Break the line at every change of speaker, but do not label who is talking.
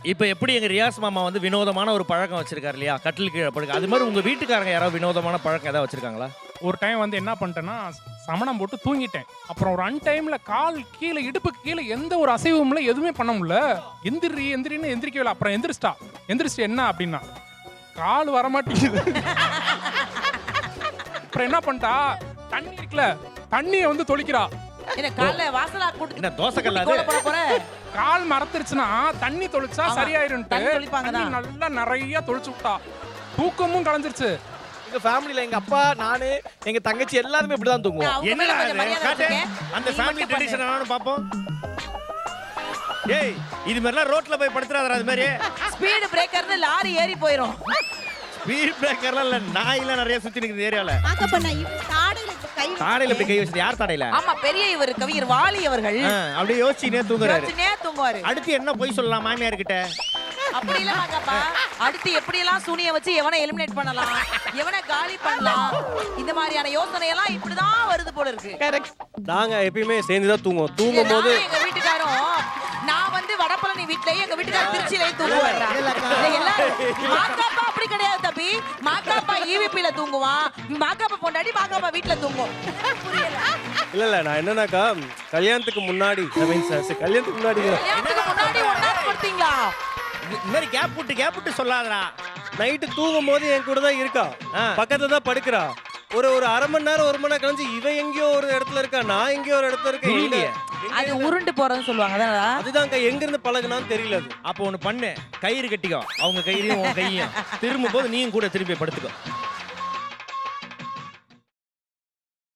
இப்போ எப்படி எங்க ரியாஸ் மாமா வந்து வினோதமான ஒரு பழக்கம் வச்சிருக்காரு இல்லையா, கட்டில் கீழே படுக்க, அது மாதிரி உங்க வீட்டுக்காரங்க யாராவது வினோதமான பழக்கம் ஏதாவது வச்சிருக்காங்களா?
ஒரு டைம் வந்து என்ன பண்ணிட்டேன்னா சமணம் போட்டு தூங்கிட்டேன். அப்புறம் ஒரு அன்டைம்ல கால் கீழே இடுப்புக்கு கீழே எந்த ஒரு அசைவும் இல்லை, எதுவுமே பண்ண முடியல. எந்திரின்னு எந்திரிக்கவே இல்லை. அப்புறம் எந்திரிச்சிட்டு என்ன அப்படின்னா கால் வரமாட்டேங்குது. அப்புறம் என்ன பண்ணிட்டா தண்ணி இருக்குல்ல, தண்ணியை வந்து தொளிக்கிறா.
என்ன காலைல வாசலா கூட்டி
என்ன தோசை கல்லாது?
போற
கால் மரத்துருச்சுன்னா தண்ணி தொளிச்சா
ஆமா.
சரியாயிரும்ட்டு
தண்ணி தொளிப்பாங்க
தண்ணி
தான்.
நல்லா நிறைய தொளிச்சு விட்டா. தூக்கமும் கலைஞ்சிருச்சு.
எங்க ஃபேமிலில எங்க அப்பா, நானு, எங்க தங்கச்சி எல்லாருமே இப்படிதான் தூங்குவோம்.
அவங்க
என்னடா
மேல கொஞ்சம்
இது?
மரியாதை
காட்டு.
வச்சிருக்கேன்.
அந்த
நீ
ஃபேமிலி
மட்டும் பண்ணு.
ட்ரெடிஷன் என்னன்னு பாப்போம். ஏய், இது மாதிரிலாம் ரோட்ல போய் படுத்துறாதடா. அது மாதிரி
ஸ்பீடு பிரேக்கர்னு லாரி ஏறி போயிரும்.
ஸ்பீட் பிரேக்கர்லாம் இல்ல, நாயெல்லாம் நிறைய சுத்தி நிக்குது ஏரியால.
பார்க்க பண்ண தாடையில கை
தாடையில இப்படி கை வச்சது யார் தாடையில?
ஆமா, பெரிய இவர் கவிஞர் வாலி அவர்கள்
அப்படியே யோசிச்சுனே தூங்குறாரு.
யோசிச்சுனே தூங்குவாரு.
அடுத்து என்ன போய் சொல்லலாம் மாமியார் கிட்ட?
அப்படி எல்லாம் வாங்கப்பா. அடுத்து எப்படி எல்லாம் சூனிய வச்சு எவனை எலிமினேட் பண்ணலாம், எவனை காலி பண்ணலாம், இந்த மாதிரியான யோசனை எல்லாம் இப்படிதான் வருது போல இருக்கு.
நாங்க எப்பயுமே சேர்ந்து தான் தூங்குவோம். தூங்கும் போது
நானும் எங்க வீட்டுக்காரும், நான் வந்து வடபழனி வீட்லயே, எங்க வீட்டுக்காரர் திருச்சியிலே தூங்குவாரா. எல்லாரும் மாக்காப்பா அப்படி கிடையாது தம்பி. மாக்காப்பா ஈவிபில தூங்குவான், மாக்காப்பா பொண்டாடி மாக்காப்பா வீட்ல தூங்கும்.
இல்ல நான் என்னன்னாக்கா கல்யாணத்துக்கு முன்னாடி கல்யாணத்துக்கு முன்னாடி
கல்யாணத்துக்கு முன்னாடி ஒண்ணா படுத்தீங்களா?
இந்த மாதிரி கேப் விட்டு சொல்லாதடா.
நைட்டு தூங்கும் போது என் கூட தான் இருக்கா, பக்கத்துல தான் படுக்கிறா. ஒரு அரை மணி நேரம் 1 மணி நேரம் கழிஞ்சு இவ எங்கேயோ ஒரு இடத்துல இருக்கா, நான் எங்கேயோ ஒரு இடத்துல இருக்கேன்.
அது உருண்டு போறதுன்னு சொல்லுவாங்க தானடா.
அதுதான்க்கா எங்க இருந்து பழகுனான்னு தெரியல. அது
அப்போ ஒண்ணு பண்ணு, கயிறு கட்டிக்கோ, அவங்க கயிறையும் உன் கையையும். திரும்பும் போது நீயும் கூட திரும்பி படுத்துக்கோ.